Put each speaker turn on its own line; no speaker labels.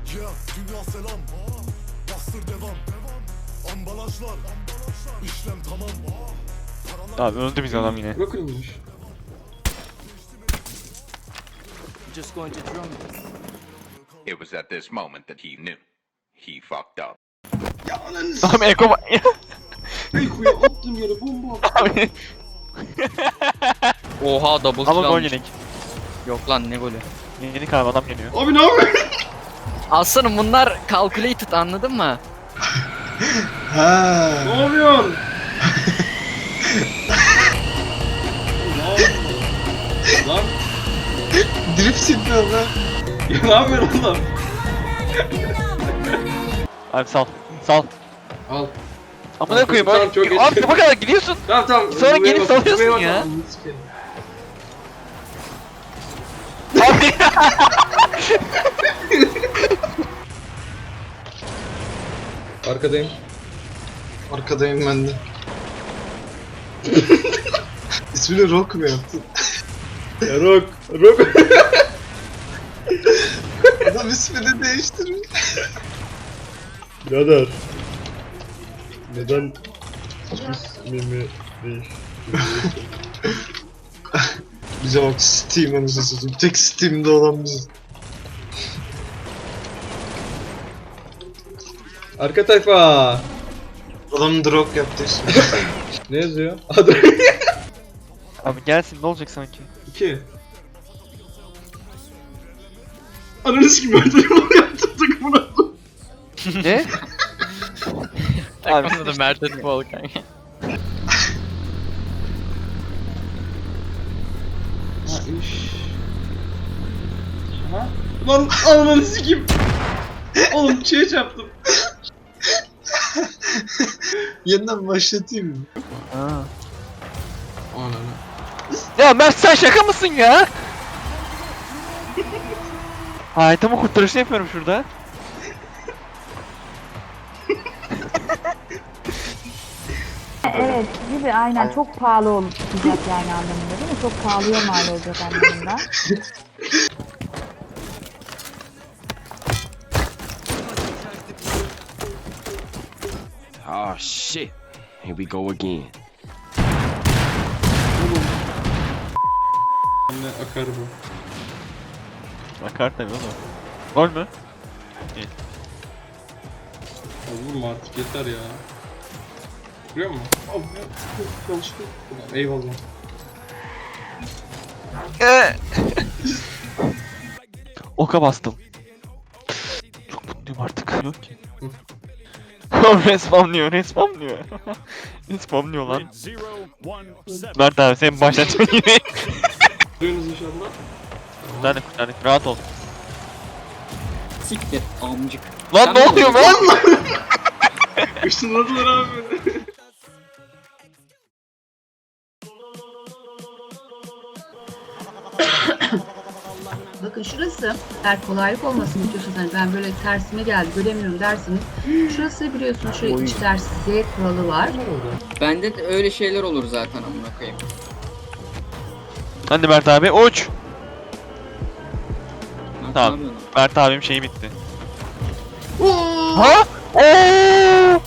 Dünya selam, bastır devam. Ambalajlar, işlem tamam.
Abi öldü biz adam yine.
Bırakılmış.
Just going to drum.
It was at this moment that he knew. He fucked up.
Ya ananı
Abi Eko
Eko'ya attığım yere bomba attım.
Abi.
Oha double kill
Ama gol
almış.
yedik.
Yok lan ne golü.
Yedik abi adam geliyor.
Abi ne yapıyorsun?
Aslanım bunlar calculated anladın mı?
Ha.
Ne yapıyorsun? Lan
Drift yapıyor lan.
ya ne yapıyorsun oğlum?
Abi sal. Sal.
Al.
Ama ne koyayım
Tamam,
abi.
çok geç.
Abi bu kadar gidiyorsun.
Tamam.
Sonra
Buraya
gelip
bak,
salıyorsun
buraya bak,
ya.
ananı sikerim.
Abi.
Arkadayım.
Arkadayım ben de. İsmini Rock mu yaptın?
Ya Rock.
Adam ismini değiştirmiş.
Birader. Neden ismimi
Bize bak Steam anasını satayım. Tek Steam'de olan biziz.
Arka tayfa.
Adam Rock yaptı ismini.
Ne yazıyor? Adı
Abi gelsin ne olacak sanki?
2. Ananı sikim ben telefonu yaptım takımına.
Ne? Abi
Takımda da Mert Etibol kanka.
Ha? Lan ananı sikim. Oğlum şeye çarptım.
Yeniden başlatayım mı?
Ha.
Ananı.
Ya Mert sen şaka mısın ya? Hayatımı kurtarışını yapıyorum şurada.
Evet gibi aynen çok pahalı olacak yani anlamında değil mi? Çok pahalıya mal olacak anlamında.
Oh shit. Here we go again.
Anne akar bu.
Bakar tabii oğlum. Gol mü?
Ya vurma artık yeter ya. Vuruyor mu? Abi yanlışlıkla. Ulan, eyvallah.
Oka bastım. Çok mutluyum artık. Yok ki. Respawnlıyor. Respawnlıyor lan. Mert abi sen başlatma yine.
Vuruyorsunuz inşallah.
Kurtardık. Rahat ol.
Siktir amcık.
Lan ne oluyor lan?
Işınladılar abi beni.
Bakın şurası, eğer kolaylık olmasını istiyorsanız hani ben böyle tersime geldi göremiyorum dersiniz. Şurası biliyorsunuz şöyle iç ders Z kuralı var.
Bende de öyle şeyler olur zaten amına koyayım.
Hadi Mert abi uç.
Mert
Tamam.
ne yapıyorsun?
Mert abim şeyi bitti. Ha? Oo!